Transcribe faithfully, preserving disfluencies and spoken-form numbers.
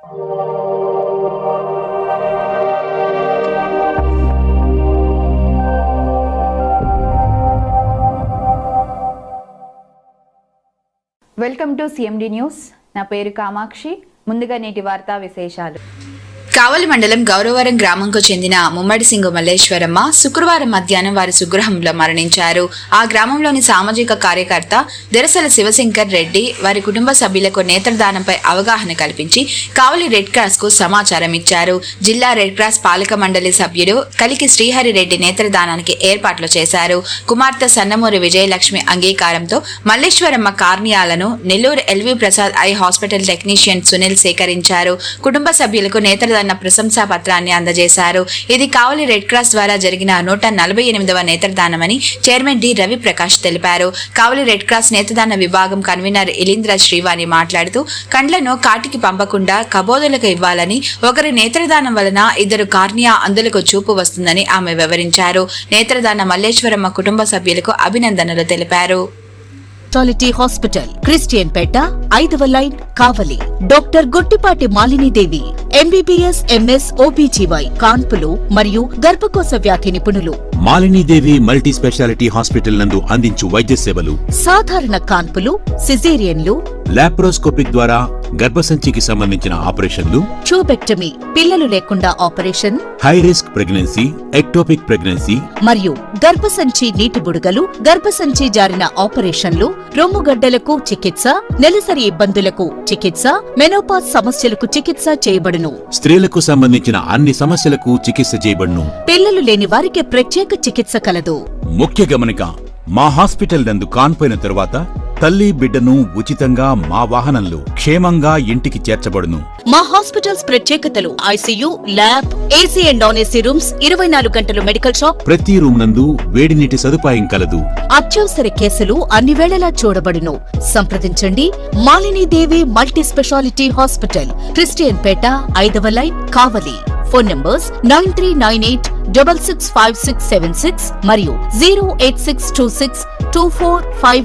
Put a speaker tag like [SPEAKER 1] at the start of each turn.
[SPEAKER 1] Welcome to CMD news. నా పేరు కామాక్షి. ముందుగా నేటి వార్తా విశేషాలు.
[SPEAKER 2] కావలి మండలం గౌరవరం గ్రామంకు చెందిన ముమ్మడి సింగు మల్లేశ్వరమ్మ శుక్రవారం మధ్యాహ్నం వారి స్వగృహంలో మరణించారు. ఆ గ్రామంలోని సామాజిక కార్యకర్త దెరసల శివశంకర్ రెడ్డి వారి కుటుంబ సభ్యులకు నేత్రదానంపై అవగాహన కల్పించి కావలి రెడ్ క్రాస్ కు సమాచారం ఇచ్చారు. జిల్లా రెడ్ క్రాస్ పాలక మండలి సభ్యుడు కలికి శ్రీహరి రెడ్డి నేత్రదానానికి ఏర్పాట్లు చేశారు. కుమార్తె సన్నమూరి విజయలక్ష్మి అంగీకారంతో మల్లేశ్వరమ్మ కార్నియాలను Nellore LV Prasad eye hospital technician Sunil సేకరించారు. కుటుంబ సభ్యులకు నేత్రదాన ప్రశంసా పత్రాన్ని అందజేశారు. ఇది కావలి రెడ్ క్రాస్ ద్వారా జరిగిన నూట నలభై ఎనిమిదవ నేత్రదానమని చైర్మన్ డి రవి ప్రకాష్ తెలిపారు. కావలి రెడ్ క్రాస్ నేత్రదాన విభాగం కన్వీనర్ ఇలీంద్ర శ్రీవాణి మాట్లాడుతూ కండ్లను కాటికి పంపకుండా కబోదులకు ఇవ్వాలని, ఒకరి నేత్రదానం వలన ఇద్దరు కార్నియా అందులకు చూపు వస్తుందని ఆమె వివరించారు. నేత్రదాన మల్లేశ్వరమ్మ కుటుంబ సభ్యులకు అభినందనలు తెలిపారు.
[SPEAKER 3] స్పెషాలిటీ హాస్పిటల్ క్రిస్టియన్ పేట ఐదవ line Kavali. Doctor Guttipati Malinidevi MBBS MS OBGY కాన్పులు మరియు గర్భకోశ వ్యాధి నిపుణులు.
[SPEAKER 4] మాలినీదేవి మల్టీ స్పెషాలిటీ హాస్పిటల్ నందు అందించు వైద్య సేవలు
[SPEAKER 3] సాధారణ కాన్పులు, సిజేరియన్లు,
[SPEAKER 4] లాప్రోస్కోపిక్ ద్వారా గర్భసంచికి సంబంధించిన ఆపరేషన్లు,
[SPEAKER 3] ట్యూబెక్టమీ పిల్లలు లేకుండా operation,
[SPEAKER 4] high risk pregnancy, ectopic pregnancy
[SPEAKER 3] మరియు గర్భసంచి నీటి బుడగలు, గర్భసంచి జారిన ఆపరేషన్లు, రొమ్ముగడ్డలకు చికిత్స, నెలసరి ఇబ్బందులకు చికిత్స, మెనోపాజ్ సమస్యలకు చికిత్స చేయబడును.
[SPEAKER 4] స్త్రీలకు సంబంధించిన అన్ని సమస్యలకు చికిత్స చేయబడును.
[SPEAKER 3] పిల్లలు లేని వారికి ప్రత్యేక చికిత్స కలదు.
[SPEAKER 4] ముఖ్య గమనిక, మా హాస్పిటల్ నందు కాన్పోయిన తరువాత తల్లి బిడ్డను ఉచితంగా మా వాహనంలో క్షేమంగా ఇంటికి చేర్చబడును.
[SPEAKER 3] మా హాస్పిటల్స్ ప్రత్యేకతలు: ICU, lab, AC and non AC rooms, ఇరవై నాలుగు గంటలు మెడికల్ షాప్,
[SPEAKER 4] ప్రతి రూమ్ నందు వేడి నీటి సదుపాయం కలదు.
[SPEAKER 3] అత్యవసర కేసులు అన్ని వేళలా చూడబడును. సంప్రదించండి Malinidevi multi speciality hospital, Christian Peta ఐదవ line Kavali. Phone numbers nine three nine eight double six five six seven six మరియు zero eight six two six two four five